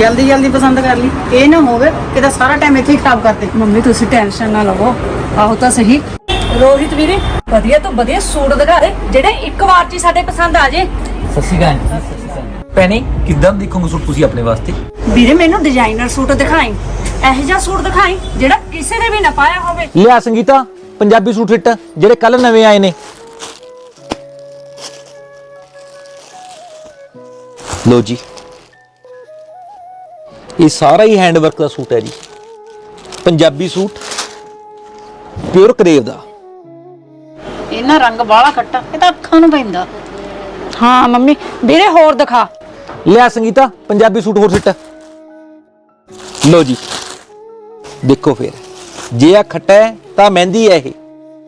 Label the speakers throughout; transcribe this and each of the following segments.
Speaker 1: जल्दी जल्दी पसंद कर ली, ये ना होवे कि सारा टाइम इत्थे ही खराब करते।
Speaker 2: ਮੰਮੀ ਤੁਸੀਂ ਟੈਨਸ਼ਨ ਨਾ ਲਵੋ। ਆਹੋ ਤਾਂ ਸਹੀ। ਰੋਹਿਤ ਵੀਰੇ ਵਧੀਆ ਤੋਂ ਵਧੀਆ ਸੂਟ ਦਿਖਾ ਦੇ ਜਿਹੜੇ ਇੱਕ ਵਾਰ 'ਚ ਹੀ ਸਾਡੇ ਪਸੰਦ ਆ ਜੇ।
Speaker 3: ਸਤਿ ਸ਼੍ਰੀ ਅਕਾਲ ਜੀ। ਸਤਿ ਸ਼੍ਰੀ ਅਕਾਲ ਭੈਣੇ, ਕਿੱਦਾਂ ਦੇਖੋਗੇ ਸੂਟ ਤੁਸੀਂ ਆਪਣੇ ਵਾਸਤੇ?
Speaker 2: ਵੀਰੇ ਮੈਨੂੰ ਡਿਜ਼ਾਈਨਰ ਸੂਟ ਦਿਖਾਈ, ਇਹੋ ਜਿਹਾ ਸੂਟ ਦਿਖਾਈ ਜਿਹੜਾ ਕਿਸੇ ਨੇ ਵੀ ਨਾ ਪਾਇਆ ਹੋਵੇ।
Speaker 3: ਲਿਆ ਸੰਗੀਤਾ ਪੰਜਾਬੀ ਸੂਟ ਫਿੱਟ ਜਿਹੜੇ ਕੱਲ ਨਵੇਂ ਆਏ ਨੇ। ਲੋ ਜੀ, ਇਹ ਸਾਰਾ ਹੀ ਹੈਂਡ ਵਰਕ ਦਾ ਸੂਟ ਹੈ ਜੀ। ਪੰਜਾਬੀ ਸੂਟ ਪਿਓਰ ਕਰੇਵ ਦਾ।
Speaker 1: इन्ना रंग बाला खट्टा, ये तो अखां नूं पैंदा।
Speaker 2: ਹਾਂ ਮੰਮੀ ਵੀਰੇ ਹੋਰ ਦਿਖਾ।
Speaker 3: ਲਿਆ ਸੰਗੀਤਾ ਪੰਜਾਬੀ ਸੂਟ ਹੋਰ ਫਿੱਟ। ਲੋ ਜੀ ਦੇਖੋ ਫਿਰ, ਜੇ ਆ ਖੱਟਾ ਹੈ ਤਾਂ ਮਹਿੰਦੀ ਹੈ ਇਹ।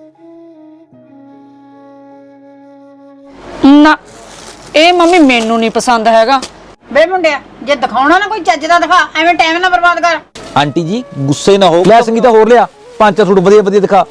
Speaker 2: ਨਾ ਇਹ ਮੰਮੀ ਮੈਨੂੰ ਨਹੀਂ ਪਸੰਦ ਹੈਗਾ।
Speaker 1: बे मुंडिया, जे दिखाउणा ना कोई चज दा दिखा, एवें टाइम ना बर्बाद कर।
Speaker 3: ਆਂਟੀ ਜੀ ਗੁੱਸੇ ਨਾ ਹੋ। ਲੈ ਸੰਗੀਤਾ ਹੋਰ ਲਿਆ, ਪੰਜ ਚਾਰ ਸੂਟ ਵਧੀਆ ਵਧੀਆ ਦਿਖਾ।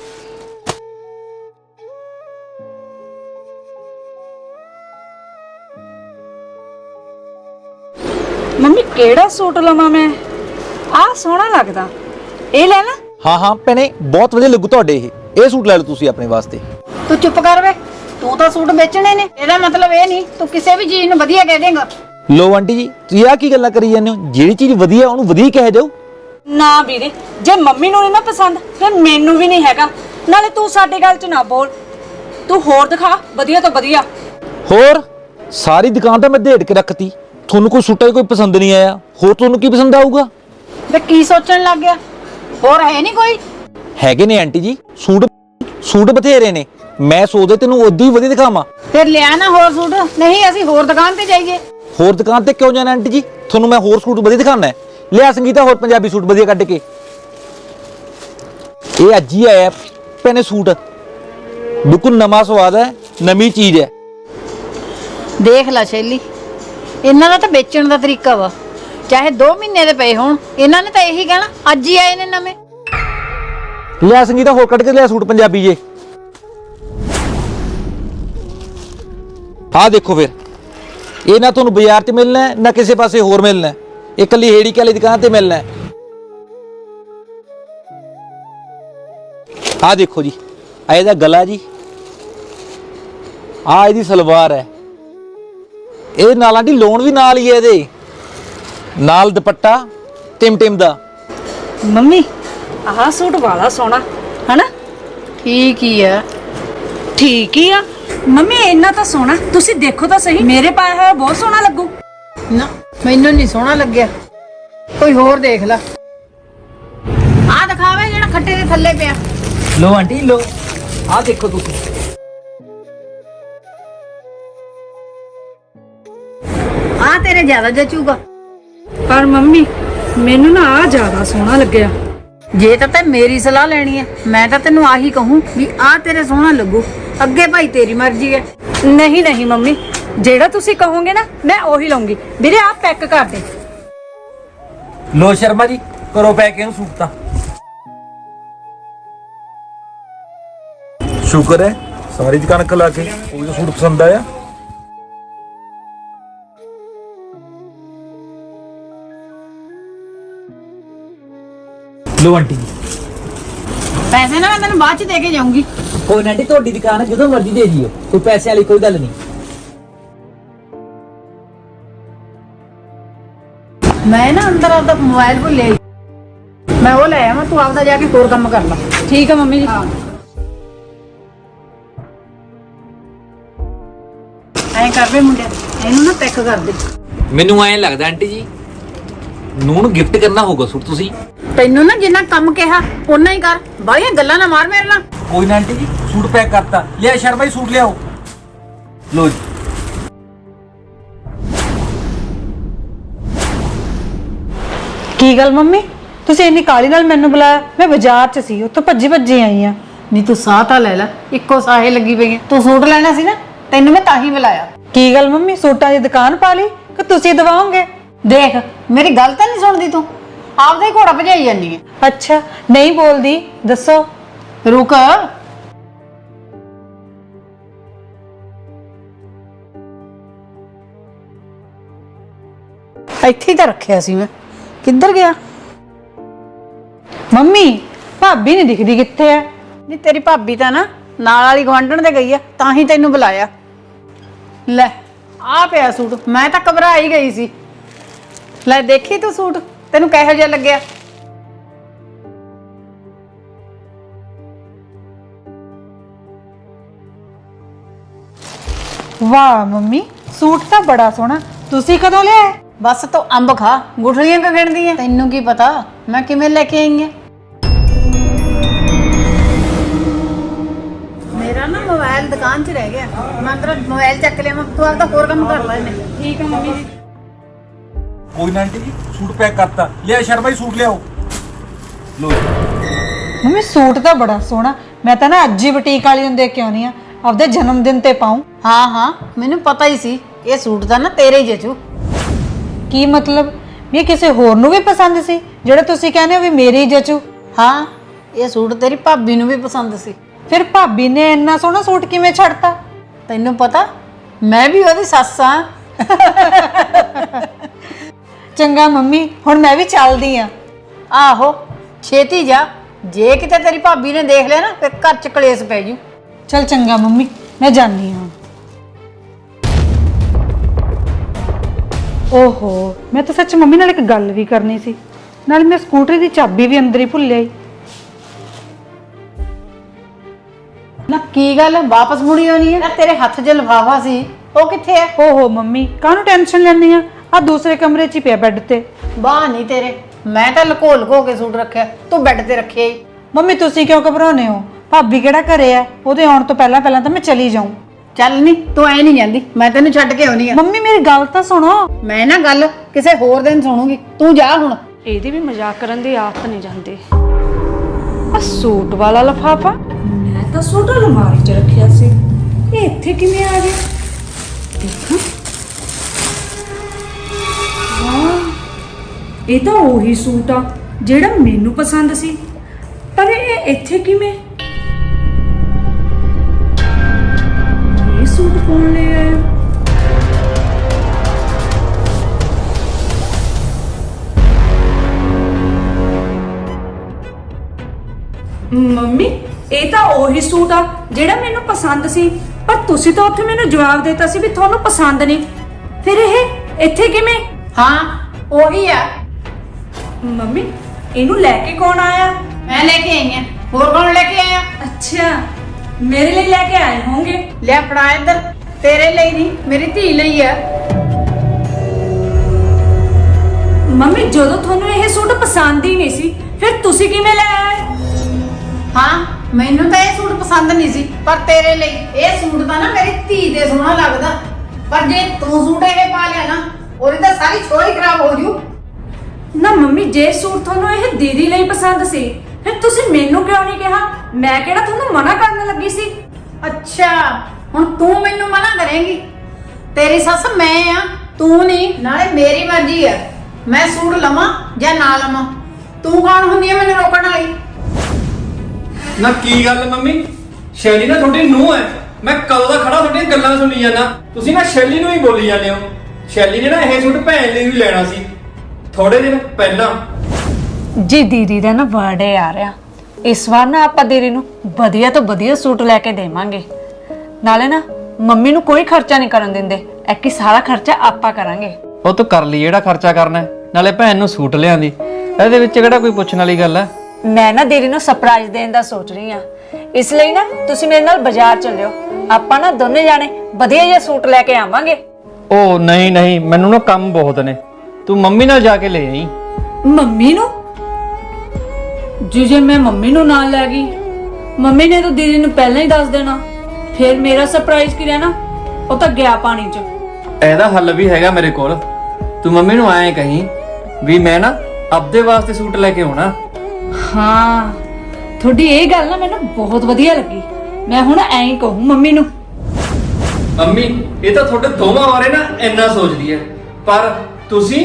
Speaker 2: ਮੰਮੀ ਕਿਹੜਾ ਸੂਟ ਲਵਾਂ ਮੈਂ? ਆਹ ਸੋਹਣਾ ਲੱਗਦਾ, ਇਹ ਲੈ ਲਾ।
Speaker 3: ਹਾਂ ਹਾਂ ਭੈਣੇ, ਬਹੁਤ ਵਧੀਆ ਲੱਗੂ ਤੁਹਾਡੇ ਇਹ ਸੂਟ ਲੈ ਲਓ ਤੁਸੀਂ ਆਪਣੇ ਵਾਸਤੇ।
Speaker 1: तू चुप कर वे, तू तो सूट बेचने ने, ਇਹਦਾ मतलब ਇਹ ਨਹੀਂ ਤੂੰ ਕਿਸੇ ਵੀ ਚੀਜ਼ ਨੂੰ ਵਧੀਆ ਕਹਿ ਦੇਂਗਾ।
Speaker 3: ਲੋ ਆਂਟੀ ਜੀ, ਤੁਸੀਂ ਆਹ ਕੀ ਗੱਲਾਂ ਕਰੀ ਜਾਂਦੇ ਹੋ? ਜਿਹੜੀ ਚੀਜ਼ ਵਧੀਆ ਉਹਨੂੰ ਵਧੀਆ ਹੀ ਕਹਿ ਜਾਓ।
Speaker 2: ਨਾ ਵੀਰੇ, ਜੇ ਮੰਮੀ ਨੂੰ ਨਹੀਂ ਨਾ ਪਸੰਦ ਫਿਰ ਮੈਨੂੰ ਵੀ ਨਹੀਂ ਹੈਗਾ। ਨਾਲੇ ਤੂੰ ਸਾਡੀ ਗੱਲ 'ਚ ਨਾ ਬੋਲ, ਤੂੰ ਹੋਰ ਦਿਖਾ ਵਧੀਆ ਤੋਂ ਵਧੀਆ।
Speaker 3: ਹੋਰ ਸਾਰੀ ਦੁਕਾਨ ਤਾਂ ਮੈਂ ਢੇੜ ਕੇ ਰੱਖਤੀ, ਤੁਹਾਨੂੰ ਕੋਈ ਸੂਟਾਂ 'ਚ ਕੋਈ ਪਸੰਦ ਨਹੀਂ ਆਇਆ, ਹੋਰ ਤੁਹਾਨੂੰ ਕੀ ਪਸੰਦ ਆਊਗਾ?
Speaker 1: ਵੇ ਕੀ ਸੋਚਣ ਲੱਗ ਗਿਆ? ਹੋਰ ਹੈ ਨਹੀਂ ਕੋਈ?
Speaker 3: ਹੈਗੇ ਨੇ ਆਂਟੀ ਜੀ, ਸੂਟ ਬਥੇਰੇ ਨੇ। ਮੈਂ ਸੋਚਦਾ ਤੈਨੂੰ ਉਦੋਂ ਹੀ ਵਧੀਆ ਦਿਖਾਵਾਂ।
Speaker 1: ਫਿਰ ਲਿਆ ਨਾ ਹੋਰ ਸੂਟ, ਨਹੀਂ ਅਸੀਂ ਹੋਰ ਦੁਕਾਨ ਤੇ ਜਾਈਏ।
Speaker 3: ਹੋਰ ਦੁਕਾਨ ਤੇ ਕਿਉਂ ਜਾਣਾ ਆਂਟੀ ਜੀ? ਤੁਹਾਨੂੰ ਮੈਂ ਹੋਰ ਸੂਟ ਵਧੀਆ ਦਿਖਾਣਾ ਹੈ। ਲਿਆ ਸੰਗੀਤਾ ਹੋਰ ਪੰਜਾਬੀ ਸੂਟ ਵਧੀਆ ਕੱਢ ਕੇ। ਇਹ ਅੱਜ ਹੀ ਆਇਆ ਭੈਣੇ ਸੂਟ, ਬਿਲਕੁਲ ਨਵਾਂ ਸਵਾਦ ਹੈ, ਨਵੀਂ ਚੀਜ਼ ਹੈ।
Speaker 1: ਦੇਖ ਲੈ ਸ਼ੈਲੀ, ਇਹਨਾਂ ਦਾ ਤਾਂ ਵੇਚਣ ਦਾ ਤਰੀਕਾ ਵਾ, ਚਾਹੇ 2 ਮਹੀਨੇ ਦੇ ਪਏ ਹੋਣ, ਇਹਨਾਂ ਨੇ ਤਾਂ ਇਹੀ ਕਹਿਣਾ ਅੱਜ ਹੀ ਆਏ ਨੇ ਨਵੇਂ।
Speaker 3: ਲਿਆ ਸੰਗੀਤਾ ਹੋਰ ਕੱਢ ਕੇ ਲਿਆ ਸੂਟ ਪੰਜਾਬੀ ਜੇ। ਆਹ ਦੇਖੋ ਫਿਰ, ਇਹ ਨਾ ਤੁਹਾਨੂੰ ਬਾਜ਼ਾਰ 'ਚ ਮਿਲਣਾ ਹੈ, ਨਾ ਕਿਸੇ ਪਾਸੇ ਹੋਰ ਮਿਲਣਾ ਹੈ, ਇਹ ਇਕੱਲੀ ਹੇੜੀ ਵਾਲੀ ਦੁਕਾਨ ਤੇ ਮਿਲਣਾ ਹੈ। ਆਹ ਦੇਖੋ ਜੀ, ਆ ਇਹਦਾ ਗਲਾ ਜੀ, ਆਹ ਇਹਦੀ ਸਲਵਾਰ ਹੈ। ਇਹ ਨਾਲਾਂ ਦੀ ਲੋਨ ਵੀ ਨਾਲ ਹੀ ਹੈ, ਇਹਦੇ ਨਾਲ ਦੁਪੱਟਾ ਟਿਮ ਦਾ।
Speaker 2: ਮੰਮੀ ਆਹ ਸੂਟ ਵਾਲਾ ਸੋਹਣਾ ਹਨਾ?
Speaker 1: ਠੀਕ ਹੀ ਆ।
Speaker 2: ਠੀਕ ਹੀ ਆ ਮੰਮੀ, ਇੰਨਾ ਤਾਂ ਸੋਹਣਾ, ਤੁਸੀਂ ਦੇਖੋ ਤਾਂ ਸਹੀ, ਮੇਰੇ ਪਾਇਆ ਹੋਇਆ ਬਹੁਤ ਸੋਹਣਾ ਲੱਗੂ।
Speaker 1: ਨਾ ਮੈਨੂੰ ਨਹੀਂ ਸੋਹਣਾ ਲੱਗਿਆ, ਕੋਈ ਹੋਰ ਦੇਖ ਲੈ। ਆਹ ਦਿਖਾਵੇ ਜਿਹੜਾ ਖੱਟੇ ਦੇ ਥੱਲੇ ਪਿਆ।
Speaker 3: ਲੋ ਆਂਟੀ ਲੋ, ਆਹ ਦੇਖੋ ਤੁਸੀਂ।
Speaker 1: ਆਹ ਤੇਰੇ ਜ਼ਿਆਦਾ ਜਚੂਗਾ।
Speaker 2: ਪਰ ਮੰਮੀ ਮੈਨੂੰ ਨਾ ਆਹ ਜ਼ਿਆਦਾ ਸੋਹਣਾ ਲੱਗਿਆ।
Speaker 1: ਜੇ ਤਾਂ ਤੈਂ ਮੇਰੀ ਸਲਾਹ ਲੈਣੀ ਹੈ, ਮੈਂ ਤਾਂ ਤੈਨੂੰ ਆਹੀ ਕਹੂੰ ਵੀ ਆਹ ਤੇਰੇ ਸੋਹਣਾ ਲੱਗੂ। ਅੱਗੇ ਭਾਈ ਤੇਰੀ ਮਰਜ਼ੀ ਹੈ।
Speaker 2: ਨਹੀਂ ਨਹੀਂ ਮੰਮੀ, ਜਿਹੜਾ ਤੁਸੀਂ ਕਹੋਗੇ ਨਾ ਮੈਂ ਉਹੀ ਲਵਾਂਗੀ। ਵੀਰੇ ਆਹ ਪੈਕ ਕਰ ਦੇ।
Speaker 3: ਲੋ ਸ਼ਰਮਾ ਜੀ, ਕਰੋ ਪੈਕ ਇਹਨੂੰ ਸੂਟ ਤਾਂ।
Speaker 4: ਸ਼ੁਕਰ ਹੈ ਸਾਰੀ ਦੁਕਾਨ ਖਲਾ ਕੇ ਕੋਈ ਤਾਂ ਸੂਟ ਪਸੰਦ ਆਇਆ।
Speaker 3: ਲੋ ਆਂਟੀ ਜੀ,
Speaker 1: ਪੈਸੇ ਨਾ ਮੈਂ ਤੈਨੂੰ ਬਾਅਦ ਚ ਦੇ ਕੇ ਜਾਊਂਗੀ।
Speaker 3: ਕੋਈ ਨਾ ਆਂਟੀ, ਤੁਹਾਡੀ ਦੁਕਾਨ ਹੈ, ਜਦੋਂ ਮਰਜ਼ੀ ਦੇ ਦਿਓ, ਕੋਈ ਪੈਸੇ ਵਾਲੀ ਕੋਈ ਗੱਲ ਨਹੀਂ।
Speaker 1: ਮੈਂ ਨਾ ਅੰਦਰ ਆਪਦਾ ਮੋਬਾਈਲ ਭੁੱਲੇ, ਮੈਂ ਉਹ ਲੈ ਆਵਾਂ, ਤੂੰ ਆਪਦਾ ਜਾ ਕੇ ਹੋਰ ਕੰਮ ਕਰ ਲੈ।
Speaker 2: ਠੀਕ ਹੈ ਮੰਮੀ ਜੀ।
Speaker 1: ਐਂ ਕਰ ਵੇ ਮੁੰਡਿਆ, ਇਹਨੂੰ ਨਾ ਪੈਕ ਕਰ ਦੇ।
Speaker 3: ਮੈਨੂੰ ਐਂ ਲੱਗਦਾ ਆਂਟੀ ਜੀ, ਨੂੰ ਗਿਫਟ ਕਰਨਾ ਹੋਊਗਾ ਸੂਟ ਤੁਸੀਂ।
Speaker 1: ਤੈਨੂੰ ਨਾ ਜਿੰਨਾ ਕੰਮ ਕਿਹਾ ਓਨਾ ਹੀ ਕਰ, ਬਾਹਲੀਆਂ ਗੱਲਾਂ ਨਾ ਮਾਰ ਮੇਰੇ ਨਾਲ।
Speaker 3: ਕੋਈ ਨਾ ਆਂਟੀ ਜੀ, ਸੂਟ ਪੈਕ ਕਰਤਾ। ਲਿਆ ਸ਼ਰਮਾ ਜੀ ਸੂਟ ਲਿਆਓ। ਲੋ ਜੀ।
Speaker 2: ਕੀ ਗੱਲ ਮੰਮੀ, ਤੁਸੀਂ ਇੰਨੀ ਕਾਲੀ ਨਾਲ ਮੈਨੂੰ ਬੁਲਾਇਆ? ਮੈਂ ਬਾਜ਼ਾਰ 'ਚ ਸੀ, ਉੱਥੋਂ ਭੱਜੀ ਆਈ ਆ।
Speaker 1: ਨਹੀਂ ਤੂੰ ਸਾਹ ਤਾਂ ਲੈ ਲੈ, ਇੱਕੋ ਸਾਹੇ ਲੱਗੀ ਪਈ ਹੈ। ਤੂੰ ਸੂਟ ਲੈਣਾ ਸੀ ਨਾ, ਤੈਨੂੰ ਮੈਂ ਤਾਂ ਹੀ ਬੁਲਾਇਆ।
Speaker 2: ਕੀ ਗੱਲ ਮੰਮੀ, ਸੂਟਾਂ ਦੀ ਦੁਕਾਨ ਪਾ ਲਈ ਕਿ ਤੁਸੀਂ ਦਵਾਓਗੇ?
Speaker 1: ਦੇਖ ਮੇਰੀ ਗੱਲ ਤਾਂ ਨਹੀਂ ਸੁਣਦੀ ਤੂੰ, ਆਪਦਾ ਹੀ ਘੋੜਾ ਭਜਾਈ ਜਾਂਦੀ ਹੈ।
Speaker 2: ਅੱਛਾ ਨਹੀਂ ਬੋਲਦੀ, ਦੱਸੋ।
Speaker 1: ਰੁਕ, ਇੱਥੇ ਹੀ ਤਾਂ ਰੱਖਿਆ ਸੀ ਮੈਂ, ਕਿੱਧਰ ਗਿਆ?
Speaker 5: ਮੰਮੀ ਭਾਬੀ ਨਹੀਂ ਦਿਖਦੀ, ਕਿੱਥੇ ਐ?
Speaker 1: ਨਹੀਂ ਤੇਰੀ ਭਾਬੀ ਤਾਂ ਨਾ ਨਾਲ ਵਾਲੀ ਗਵਾਂਢਣ ਦੇ ਗਈ ਆ, ਤਾਂ ਹੀ ਤੈਨੂੰ ਬੁਲਾਇਆ। ਲੈ ਆ ਪਿਆ ਸੂਟ, ਮੈਂ ਤਾਂ ਘਬਰਾ ਹੀ ਗਈ ਸੀ। ਲੈ ਦੇਖੀ ਤੂੰ ਸੂਟ, ਤੈਨੂੰ ਕਿਹੋ ਜਿਹਾ ਲੱਗਿਆ?
Speaker 5: ਵਾਹ ਮੰਮੀ, ਸੂਟ ਤਾਂ ਬੜਾ ਸੋਹਣਾ। ਤੁਸੀਂ ਕਦੋਂ ਲਿਆ?
Speaker 1: ਬਸ ਤੂੰ ਅੰਬ ਖਾ, ਗੁਠਲੀਆਂ ਕਿਉਂ ਗਿਣਦੀ ਐ? ਤੈਨੂੰ ਕੀ ਪਤਾ ਮੈਂ ਕਿਵੇਂ ਲੈ ਕੇ ਆਈ ਆ? ਮੇਰਾ ਨਾ ਮੋਬਾਈਲ ਦੁਕਾਨ 'ਚ ਰਹਿ ਗਿਆ, ਮੈਂ ਤੇਰਾ ਮੋਬਾਈਲ ਚੱਕ ਲਿਆ, ਤੂੰ ਆਪਦਾ ਹੋਰ ਕੰਮ ਕਰ ਲੈ ਨੇ।
Speaker 2: ਠੀਕ ਹੈ ਮੰਮੀ ਜੀ।
Speaker 4: ਕੋਈ ਨਾ ਆਂਟੀ ਜੀ, ਸੂਟ ਪੈਕ ਕਰਤਾ। ਲਿਆ ਸ਼ਰਮਾ ਜੀ, ਸੂਟ ਲਿਆਓ। ਲੋ
Speaker 5: ਮੰਮੀ ਸੂਟ ਤਾਂ ਬੜਾ ਸੋਹਣਾ, ਮੈਂ ਤਾਂ ਨਾ ਅੱਜ ਹੀ ਬੁਟੀਕ ਵਾਲੀ ਨੂੰ ਦੇਖ ਕੇ ਆਉਣੀ ਆ, ਆਪਦੇ ਜਨਮ ਦਿਨ ਤੇ ਪਾਉਂ।
Speaker 1: ਹਾਂ ਹਾਂ ਮੈਨੂੰ ਪਤਾ ਹੀ ਸੀ, ਇਹ ਸੂਟ ਤਾਂ ਨਾ ਤੇਰੇ ਹੀ ਜਚੂ।
Speaker 5: ਕੀ ਮਤਲਬ? ਵੀ ਇਹ ਕਿਸੇ ਹੋਰ ਨੂੰ ਵੀ ਪਸੰਦ ਸੀ ਜਿਹੜਾ ਤੁਸੀਂ ਕਹਿੰਦੇ ਹੋ ਵੀ ਮੇਰੀ ਹੀ ਜਚੂ?
Speaker 1: ਹਾਂ ਇਹ ਸੂਟ ਤੇਰੀ ਭਾਬੀ ਨੂੰ ਵੀ ਪਸੰਦ ਸੀ।
Speaker 5: ਫਿਰ ਭਾਬੀ ਨੇ ਇੰਨਾ ਸੋਹਣਾ ਸੂਟ ਕਿਵੇਂ ਛੱਡਤਾ?
Speaker 1: ਤੈਨੂੰ ਪਤਾ ਮੈਂ ਵੀ ਉਹਦੀ ਸੱਸ ਆ।
Speaker 5: ਚੰਗਾ ਮੰਮੀ, ਹੁਣ ਮੈਂ ਵੀ ਚੱਲਦੀ ਆ।
Speaker 1: ਆਹੋ ਛੇਤੀ ਜਾ, ਜੇ ਕਿਤੇ ਤੇਰੀ ਭਾਬੀ ਨੇ ਦੇਖ ਲਿਆ ਨਾ ਫਿਰ ਘਰ ਚ ਕਲੇਸ਼ ਪੈ ਜੂ।
Speaker 5: ਚਲ ਚੰਗਾ ਮੰਮੀ, ਮੈਂ ਜਾਂਦੀ ਹਾਂ। ਓਹੋ, ਮੈਂ ਤਾਂ ਸੱਚ ਮੰਮੀ ਨਾਲ ਇੱਕ ਗੱਲ ਵੀ ਕਰਨੀ ਸੀ, ਨਾਲ ਮੈਂ ਸਕੂਟਰੀ ਦੀ ਚਾਬੀ ਵੀ ਅੰਦਰ ਹੀ ਭੁੱਲ ਆਈ।
Speaker 1: ਨਾ ਕੀ ਗੱਲ ਵਾਪਸ ਮੁੜੀ ਆਉਣੀ ਹੈ? ਨਾ ਤੇਰੇ ਹੱਥ 'ਚ ਲਿਫਾਫਾ ਸੀ, ਉਹ ਕਿੱਥੇ ਹੈ?
Speaker 5: ਓਹੋ ਮੰਮੀ, ਕਾਹਨੂੰ ਟੈਨਸ਼ਨ ਲੈਂਦੀ ਆ? ਆ ਦੂਸਰੇ ਕਮਰੇ 'ਚ ਹੀ ਪਿਆ ਬੈੱਡ ਤੇ।
Speaker 1: ਬਾਹ ਨਹੀਂ ਤੇਰੇ, ਮੈਂ ਤਾਂ ਲੁਕੋ ਲੁਕੋ ਕੇ ਸੂਟ ਰੱਖਿਆ, ਤੂੰ ਬੈੱਡ ਤੇ ਰੱਖਿਆ ਹੀ।
Speaker 5: ਮੰਮੀ ਤੁਸੀਂ ਕਿਉਂ ਘਬਰਾਉਂਦੇ ਹੋ? ਭਾਬੀ ਕਿਹੜਾ ਘਰੇ ਆ? ਉਹਦੇ ਆਉਣ ਤੋਂ ਪਹਿਲਾਂ ਪਹਿਲਾਂ ਤਾਂ ਮੈਂ ਚਲੀ ਜਾਊਂ।
Speaker 1: ਚੱਲ ਨਹੀਂ ਤੂੰ ਐ ਨਹੀਂ ਜਾਂਦੀ, ਮੈਂ ਤੈਨੂੰ ਛੱਡ ਕੇ ਆਉਣੀ ਆ।
Speaker 5: ਮੰਮੀ ਮੇਰੀ ਗੱਲ ਤਾਂ ਸੁਣੋ।
Speaker 1: ਮੈਂ ਨਾ ਗੱਲ ਕਿਸੇ ਹੋਰ ਦਿਨ ਸੁਣੂਗੀ, ਤੂੰ ਜਾ ਹੁਣ।
Speaker 2: ਇਹਦੀ ਵੀ ਮਜ਼ਾਕ ਕਰਨ ਦੀ ਆਦਤ ਨਹੀਂ ਜਾਂਦੀ। ਆ ਸੂਟ ਵਾਲਾ ਲਿਫਾਫਾ ਮੈਂ ਤਾਂ ਸੂਟ ਅਲਮਾਰੀ 'ਚ ਰੱਖਿਆ ਸੀ, ਇਹ ਇੱਥੇ ਕਿਵੇਂ ਆ ਗਿਆ? ਦੇਖਾਂ। ਵਾਹ, ਇਹ ਤਾਂ ਉਹੀ ਸੂਟ ਆ ਜਿਹੜਾ ਮੈਨੂੰ ਪਸੰਦ ਸੀ, ਪਰ ਇਹ ਇੱਥੇ ਕਿਵੇਂ? ਇਹ ਸੂਟ ਕੌਣ ਲੈ ਆਇਆ? ਮੰਮੀ ਇਹ ਤਾਂ ਉਹੀ ਸੂਟ ਆ ਜਿਹੜਾ ਮੈਨੂੰ ਪਸੰਦ ਸੀ, ਪਰ ਤੁਸੀਂ ਤਾਂ ਉੱਥੇ ਮੈਨੂੰ ਜਵਾਬ ਦਿੱਤਾ ਸੀ ਵੀ ਤੁਹਾਨੂੰ ਪਸੰਦ ਨਹੀਂ, ਫਿਰ ਇਹ ਇੱਥੇ ਕਿਵੇਂ?
Speaker 1: ਹਾਂ ਉਹੀ ਆ।
Speaker 2: ਮੰਮੀ ਇਹਨੂੰ ਲੈ ਕੇ ਕੌਣ ਆਇਆ?
Speaker 1: ਮੈਂ ਲੈ ਕੇ ਆਈ ਆ, ਹੋਰ ਕੌਣ ਲੈ ਕੇ ਆਇਆ?
Speaker 2: ਅੱਛਾ, ਮੇਰੇ ਲਈ ਲੈ ਕੇ ਆਏ ਹੋਣਗੇ।
Speaker 1: ਲੈ ਫੜਾ ਇੱਧਰ, ਤੇਰੇ ਲਈ ਨਹੀਂ ਮੇਰੀ ਧੀ ਲਈ ਆ।
Speaker 2: ਮੰਮੀ ਜਦੋਂ ਤੁਹਾਨੂੰ ਇਹ ਸੂਟ ਪਸੰਦ ਹੀ ਨਹੀਂ ਸੀ, ਫਿਰ ਤੁਸੀਂ ਕਿਵੇਂ ਲੈ ਆਏ?
Speaker 1: ਹਾਂ ਮੈਨੂੰ ਤਾਂ ਇਹ ਸੂਟ ਪਸੰਦ ਨਹੀਂ ਸੀ, ਪਰ ਤੇਰੇ ਲਈ ਇਹ ਸੂਟ ਤਾਂ ਨਾ ਮੇਰੀ ਧੀ ਦੇ ਸੋਹਣਾ ਲੱਗਦਾ, ਪਰ ਜੇ ਤੂੰ ਸੂਟ ਇਹ ਪਾ ਲਿਆ ਨਾ ਉਹਦੀ ਤਾਂ ਸਾਰੀ ਛੋਈ ਖਰਾਬ ਹੋ ਜੂ।
Speaker 2: ਨਾ ਮੰਮੀ ਜੇ ਸੂਟ ਤੁਹਾਨੂੰ ਇਹ ਦੀਦੀ ਲਈ ਪਸੰਦ ਸੀ, ਫਿਰ ਤੁਸੀਂ ਮੈਨੂੰ ਕਿਉਂ ਨਹੀਂ ਕਿਹਾ? ਮੈਂ ਕਿਹੜਾ ਤੁਹਾਨੂੰ ਮਨਾ ਕਰਨ ਲੱਗੀ ਸੀ?
Speaker 1: ਅੱਛਾ ਹੁਣ ਤੂੰ ਮੈਨੂੰ ਮਨਾ ਕਰੇਂਗੀ? ਤੇਰੀ ਸੱਸ ਮੈਂ ਆ, ਤੂੰ ਨਹੀਂ। ਨਾਲੇ ਮੇਰੀ ਮਰਜ਼ੀ ਆ, ਮੈਂ ਸੂਟ ਲਵਾਂ ਜਾਂ ਨਾ ਲਵਾਂ। ਤੂੰ ਕੌਣ ਹੁੰਦੀ ਹੈ ਮੈਨੂੰ ਰੋਕਣ ਵਾਲੀ?
Speaker 6: ਨਾ ਕੀ ਗੱਲ ਮੰਮੀ, ਸ਼ੈਲੀ ਨਾ ਤੁਹਾਡੀ ਨੂੰਹ ਹੈ। ਮੈਂ ਕਦੋਂ ਦਾ ਖੜਾ ਤੁਹਾਡੀਆਂ ਗੱਲਾਂ ਸੁਣੀ ਜਾਂਦਾ, ਤੁਸੀਂ ਨਾ ਸ਼ੈਲੀ ਨੂੰ ਹੀ ਬੋਲੀ ਜਾਂਦੇ ਹੋ। ਸ਼ੈਲੀ ਨੇ ਨਾ ਇਹ ਸੂਟ ਭੈਣ ਲਈ ਵੀ ਲੈਣਾ ਸੀ ਥੋੜੇ ਦਿਨ ਪਹਿਲਾਂ।
Speaker 2: ਜੀ ਦੀਦੀ ਦਾ ਨਾ ਬਰਥਡੇ ਆ ਰਿਹਾ, ਇਸ ਵਾਰ ਨਾ ਆਪਾਂ ਦੀਦੀ ਨੂੰ ਵਧੀਆ ਤੋਂ ਵਧੀਆ ਸੂਟ ਲੈ ਕੇ ਦੇਵਾਂਗੇ। ਨਾਲੇ ਨਾ ਮੰਮੀ ਨੂੰ ਕੋਈ ਖਰਚਾ ਨਹੀਂ ਕਰਨ ਦਿੰਦੇ, ਐਕੀ ਸਾਰਾ ਖਰਚਾ ਆਪਾਂ ਕਰਾਂਗੇ।
Speaker 6: ਉਹ ਤੂੰ ਕਰ ਲਈ ਜਿਹੜਾ ਖਰਚਾ ਕਰਨਾ ਹੈ, ਨਾਲੇ ਭੈਣ ਨੂੰ ਸੂਟ ਲਿਆਂਦੀ, ਇਹਦੇ ਵਿੱਚ ਕਿਹੜਾ ਕੋਈ ਪੁੱਛਣ ਵਾਲੀ ਗੱਲ ਹੈ।
Speaker 2: ਮੈਂ ਨਾ ਦੀਦੀ ਨੂੰ ਸਰਪ੍ਰਾਈਜ਼ ਦੇਣ ਦਾ ਸੋਚ ਰਹੀ ਆ, ਇਸ ਲਈ ਨਾ ਤੁਸੀਂ ਮੇਰੇ ਨਾਲ ਬਾਜ਼ਾਰ ਚੱਲਿਓ, ਆਪਾਂ ਨਾ ਦੋਨੇ ਜਾਣੇ ਵਧੀਆ ਜਿਹਾ ਸੂਟ ਲੈ ਕੇ ਆਵਾਂਗੇ।
Speaker 6: ਉਹ ਨਹੀਂ ਨਹੀਂ, ਮੈਨੂੰ ਨਾ ਕੰਮ ਬਹੁਤ ਨੇ, ਤੂੰ ਮੰਮੀ ਨਾਲ ਜਾ ਕੇ ਲੈ ਆਈ।
Speaker 2: ਮੰਮੀ ਨੂੰ? ਜੇ ਮੈਂ ਮੰਮੀ ਨੂੰ ਨਾਲ ਲੈ ਗਈ, ਮੰਮੀ ਨੇ ਤਾਂ ਦੀਦੀ ਨੂੰ ਪਹਿਲਾਂ ਹੀ ਦੱਸ ਦੇਣਾ, ਫਿਰ ਮੇਰਾ ਸਰਪ੍ਰਾਈਜ਼ ਕੀ ਰਹਿਣਾ? ਉਹ ਤਾਂ ਗਿਆ ਪਾਣੀ 'ਚ।
Speaker 6: ਇਹਦਾ ਹੱਲ ਵੀ ਹੈਗਾ ਮੇਰੇ ਕੋਲ। ਤੂੰ ਮੰਮੀ ਨੂੰ ਐਂ ਕਹੀਂ ਵੀ ਮੈਂ ਨਾ ਆਪਦੇ ਵਾਸਤੇ ਸੂਟ ਲੈ ਕੇ ਆਉਣਾ।
Speaker 2: ਹਾਂ ਤੁਹਾਡੀ ਇਹ ਗੱਲ ਨਾ ਮੈਨੂੰ ਬਹੁਤ ਵਧੀਆ ਲੱਗੀ, ਮੈਂ ਹੁਣ ਐਂ ਹੀ ਕਹੂੰ ਮੰਮੀ ਨੂੰ।
Speaker 6: ਮੰਮੀ ਇਹ ਤਾਂ ਤੁਹਾਡੇ ਦੋਵਾਂ ਬਾਰੇ ਨਾ ਇੰਨਾ ਸੋਚਦੀ ਹੈ, ਪਰ ਤੁਸੀਂ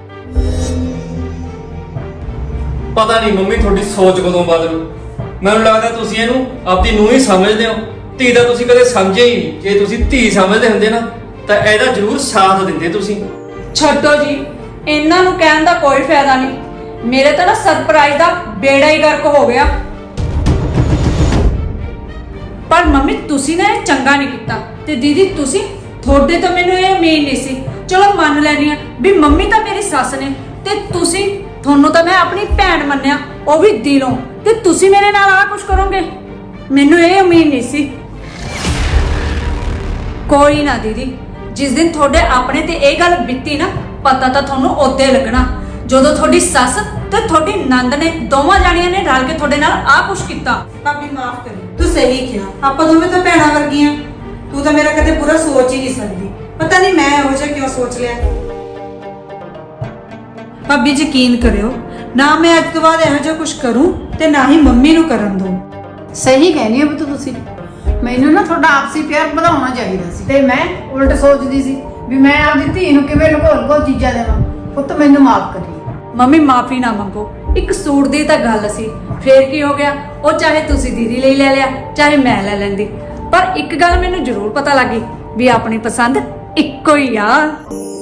Speaker 6: ਪਤਾ ਨਹੀਂ ਮੰਮੀ ਤੁਹਾਡੀ ਸੋਚ ਕਦੋਂ ਬਦਲੂ। ਮੈਨੂੰ ਲੱਗਦਾ ਤੁਸੀਂ ਇਹਨੂੰ ਆਪਦੀ ਨੂੰਹ ਹੀ ਸਮਝਦੇ ਹੋ, ਧੀ ਦਾ ਤੁਸੀਂ ਕਦੇ ਸਮਝਿਆ ਹੀ ਨਹੀਂ। ਜੇ ਤੁਸੀਂ ਧੀ ਸਮਝਦੇ ਹੁੰਦੇ ਨਾ ਤਾਂ ਇਹਦਾ ਜ਼ਰੂਰ ਸਾਥ ਦਿੰਦੇ ਤੁਸੀਂ।
Speaker 2: ਛੱਡੋ ਜੀ, ਇਹਨਾਂ ਨੂੰ ਕਹਿਣ ਦਾ ਕੋਈ ਫਾਇਦਾ ਨਹੀਂ। ਮੇਰੇ ਤਾਂ ਨਾ ਸਰਪ੍ਰਾਈਜ਼ ਦਾ ਬੇੜਾ ਹੀ ਗਰਕ ਹੋ ਗਿਆ। ਪਰ ਮੰਮੀ ਤੁਸੀਂ ਨਾ ਇਹ ਚੰਗਾ ਨਹੀਂ ਕੀਤਾ। ਤੇ ਦੀਦੀ ਤੁਸੀਂ, ਤੁਹਾਡੇ ਤੋਂ ਮੈਨੂੰ ਇਹ ਉਮੀਦ ਨਹੀਂ ਸੀ। ਚਲੋ ਮੰਨ ਲੈਣੀ ਆ ਵੀ ਮੰਮੀ ਤਾਂ ਮੇਰੀ ਸੱਸ ਨੇ, ਤੇ ਤੁਸੀਂ, ਤੁਹਾਨੂੰ ਤਾਂ ਮੈਂ ਆਪਣੀ ਭੈਣ ਮੰਨਿਆ, ਉਹ ਵੀ ਦਿਲੋਂ, ਤੇ ਤੁਸੀਂ ਮੇਰੇ ਨਾਲ ਆਹ ਕੁਝ ਕਰੋਗੇ, ਮੈਨੂੰ ਇਹ ਉਮੀਦ ਨਹੀਂ ਸੀ। ਕੋਈ ਨਾ ਦੀਦੀ, ਜਿਸ ਦਿਨ ਤੁਹਾਡੇ ਆਪਣੇ ਤੇ ਇਹ ਗੱਲ ਬੀਤੀ ਨਾ, ਪਤਾ ਤਾਂ ਤੁਹਾਨੂੰ ਉਦੋਂ ਲੱਗਣਾ ਜਦੋਂ ਤੁਹਾਡੀ ਸੱਸ ਤੇ ਤੁਹਾਡੀ ਨੰਦ ਨੇ ਦੋਵਾਂ ਜਾਣੀਆਂ ਨੇ ਰਲ ਕੇ ਤੁਹਾਡੇ ਨਾਲ ਆਹ ਕੁਝ ਕੀਤਾ।
Speaker 5: ਭਾਬੀ ਮਾਫ ਕਰੀ, ਤੂੰ ਸਹੀ ਕਿਹਾ, ਆਪਾਂ ਦੋਵੇਂ ਤਾਂ ਭੈਣਾਂ ਵਰਗੀਆਂ। ਤੂੰ ਤਾਂ ਮੇਰਾ ਕਦੇ ਬੁਰਾ ਸੋਚ ਹੀ ਨਹੀਂ ਸਕਦੀ। ਪਤਾ ਨਹੀਂ ਮੈਂ ਇਹੋ ਜਿਹਾ ਕਿਉਂ ਸੋਚ ਲਿਆ। ਭਾਬੀ ਯਕੀਨ ਕਰਿਓ, ਨਾ ਮੈਂ ਅੱਜ ਤੋਂ ਬਾਅਦ ਇਹੋ ਜਿਹਾ ਕੁਝ ਕਰੂੰ ਤੇ ਨਾ ਹੀ ਮੰਮੀ ਨੂੰ ਕਰਨ ਦਊਂ।
Speaker 1: ਸਹੀ ਕਹਿੰਦੀ ਹੋ ਤੁਸੀਂ। ਮੈਨੂੰ ਨਾ ਤੁਹਾਡਾ ਆਪਸੀ ਪਿਆਰ ਵਧਾਉਣਾ ਚਾਹੀਦਾ ਸੀ, ਤੇ ਮੈਂ ਉਲਟ ਸੋਚਦੀ ਸੀ ਵੀ ਮੈਂ ਆਪਦੀ ਧੀ ਨੂੰ ਕਿਵੇਂ ਲੁਕੋ ਚੀਜ਼ਾਂ ਦੇਵਾਂ। ਪੁੱਤ ਮੈਨੂੰ ਮਾਫ ਕਰੀ।
Speaker 2: ਮੰਮੀ ਮਾਫੀ ਨਾ ਮੰਗੋ, ਇੱਕ ਸੂਟ ਦੀ ਤਾਂ ਗੱਲ ਸੀ, ਫੇਰ ਕੀ ਹੋ ਗਿਆ? ਉਹ ਚਾਹੇ ਤੁਸੀਂ ਦੀਦੀ ਲਈ ਲੈ ਲਿਆ, ਚਾਹੇ ਮੈਂ ਲੈ ਲੈਂਦੀ। ਪਰ ਇੱਕ ਗੱਲ ਮੈਨੂੰ ਜ਼ਰੂਰ ਪਤਾ ਲੱਗੀ ਵੀ ਆਪਣੀ ਪਸੰਦ ਇੱਕੋ ਹੀ ਆ।